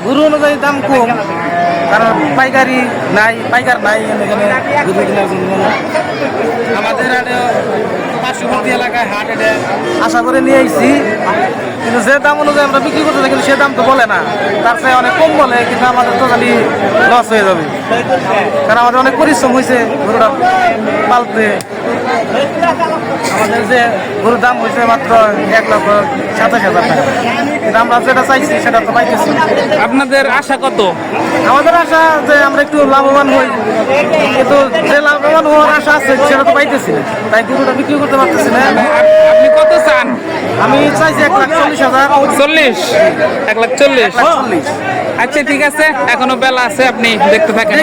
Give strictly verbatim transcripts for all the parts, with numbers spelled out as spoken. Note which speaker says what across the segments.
Speaker 1: গরু অনুযায়ী দাম কম, কারণ পাইকারি নাই, পাইকার নাই এখানে গরু কেনার জন্য। আমাদের পার্শ্ববর্তী এলাকায় হাট, এটা আশা করে নিয়ে আইছি, কিন্তু যে দাম অনুযায়ী আমরা বিক্রি করতে চাই কিন্তু সে দাম তো বলে না, তার চেয়ে অনেক কম বলে, কিন্তু আমাদের তো খালি লস হয়ে যাবে, কারণ আমাদের অনেক পরিশ্রম হয়েছে গরুটা পালতে। আমাদের যে গরুর দাম হয়েছে মাত্র এক লক্ষ সাতাশ হাজার টাকা, কিন্তু আমরা যেটা চাইছি সেটা তো পাইতেছি।
Speaker 2: আপনাদের আশা কত?
Speaker 1: আমাদের আশা যে আমরা একটু লাভবান হই, কিন্তু যে লাভবান হওয়ার আশা আছে সেটা তো পাইতেছি না, তাই গরুটা বিক্রি করতে পারতেছি না।
Speaker 2: আপনি কত চান?
Speaker 1: আমি চাইছি এক লাখ চল্লিশ হাজার।
Speaker 2: চল্লিশ? এক লাখ চল্লিশ?
Speaker 1: চল্লিশ।
Speaker 2: আচ্ছা ঠিক আছে, এখনো বেলা আছে, আপনি দেখতে থাকেন।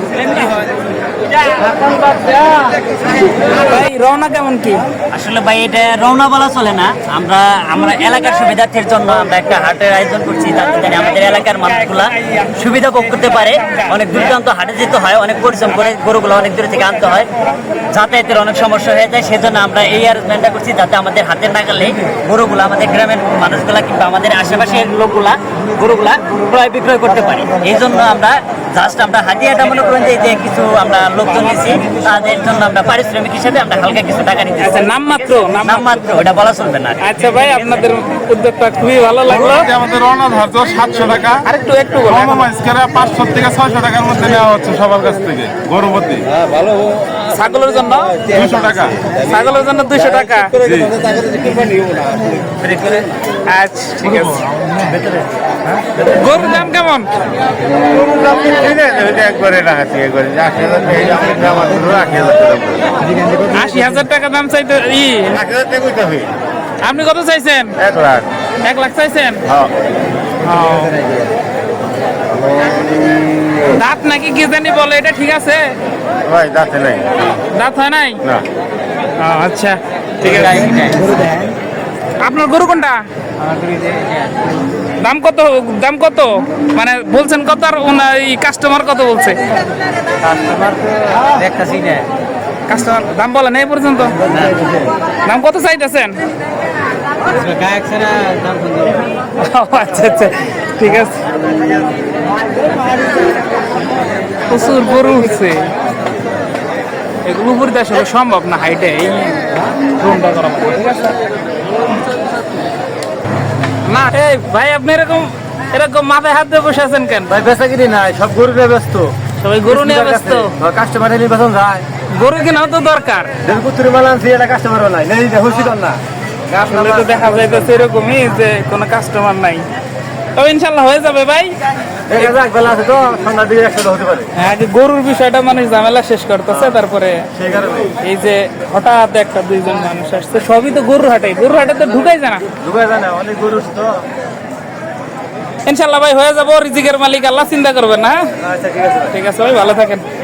Speaker 2: ভাই রওনা কেমন কি?
Speaker 3: আসলে ভাই এটা রওনা বলা চলে না, আমরা আমরা এলাকার সুবিধার্থের জন্য আমরা একটা হাটের আয়োজন করছি, যাতে জানি আমাদের এলাকার মানুষগুলা সুবিধা ভোগ করতে পারে। অনেক দূরান্ত হাটে যেতে হয়, অনেক পরিশ্রম করে গরুগুলো অনেক দূরে থেকে আনতে হয়, যাতায়াতের অনেক সমস্যা হয়ে যায়, সেজন্য আমরা এই অ্যারেঞ্জমেন্টটা করছি, যাতে আমাদের হাতের নাগালে গরুগুলো আমাদের গ্রামের মানুষগুলা কিংবা আমাদের আশেপাশের লোকগুলা গরুগুলা ক্রয় বিক্রয় করতে পারে। এই জন্য আমরা জাস্ট আমরা হাতিয়াটা মনে করেন যে যে কিছু আমরা লোকজন নিয়েছি, তাদের জন্য আমরা পারিশ্রমিক হিসেবে আমরা হালকা কিছু টাকা নিচ্ছি।
Speaker 2: আচ্ছা, নাম মাত্র?
Speaker 3: নাম মাত্র, ওটা বলা চলবে না।
Speaker 2: আচ্ছা ভাই, আপনাদের উদ্যোগটা খুবই ভালো লাগলো।
Speaker 4: আমাদের রওনা ধার্য সাতশো টাকা,
Speaker 2: আরেকটু একটু বলো।
Speaker 4: পাঁচশো থেকে ছয়শো টাকার মধ্যে নেওয়া হচ্ছে সবার কাছ থেকে গরু প্রতি।
Speaker 2: ছাগলের জন্য
Speaker 4: দুশো টাকা,
Speaker 2: ছাগলের জন্য দুইশো টাকা। আচ্ছা ঠিক আছে। গরুর দাম কেমন? আশি হাজার টাকা দাম চাইতে ই, আপনি কত চাইছেন?
Speaker 4: এক লাখ।
Speaker 2: এক লাখ চাইছেন? দাঁত নাকি কি জানি বলে, এটা ঠিক আছে?
Speaker 4: ভাই দাঁতে নাই।
Speaker 2: দাঁত হয় নাই?
Speaker 4: না।
Speaker 2: আচ্ছা ঠিক আছে। আপনার গরু কোনটা? দাম কত? দাম কত মানে বলছেন কত, আর কাস্টমার কত বলছে? কাস্টমার দাম বলে না এই পর্যন্ত? দাম কত চাইতেছেন? আচ্ছা আচ্ছা ঠিক আছে। প্রচুর গরু উঠছে, এগুলো উপরে তো আসলে সম্ভব না হাইটে, এই ড্রোনটা করা ঠিক আছে না। এই ভাই আপনি এরকম এরকম মাথায় হাত দিয়ে বসে আছেন কেন?
Speaker 1: ভাই বেচা কিনি নাই, সব গরু নিয়ে ব্যস্ত,
Speaker 2: সবাই গরু নিয়ে ব্যস্ত।
Speaker 1: কাস্টমার নির্বাচন যায়,
Speaker 2: গরু কেনাও তো দরকার।
Speaker 1: দেড়পুত্রি মাল আনছি, এটা কাস্টমারও নাই, নেই হুসিল না।
Speaker 2: আসলে তো দেখা যাইতেছে এরকমই যে কোনো কাস্টমার নাই। তবে ইনশাল্লাহ হয়ে যাবে ভাই।
Speaker 1: বেলা আছে তো, সন্ধ্যার দিকে একসাথে হতে পারে।
Speaker 2: হ্যাঁ, যে গরুর বিষয়টা মানুষ ঝামেলা শেষ করতেছে, তারপরে
Speaker 1: সেই কারণে
Speaker 2: এই যে হঠাৎ একটা দুইজন মানুষ আসছে, সবই তো গরুর হাটে, গরুর হাটে তো ঢুকাই যায় না।
Speaker 1: ঢুকায় যায় না, অনেক গরু তো।
Speaker 2: ইনশাল্লাহ ভাই হয়ে যাবো, রিজিকের মালিক আল্লাহ, চিন্তা করবেন না।
Speaker 1: আচ্ছা ঠিক আছে,
Speaker 2: ঠিক আছে ভাই, ভালো থাকেন।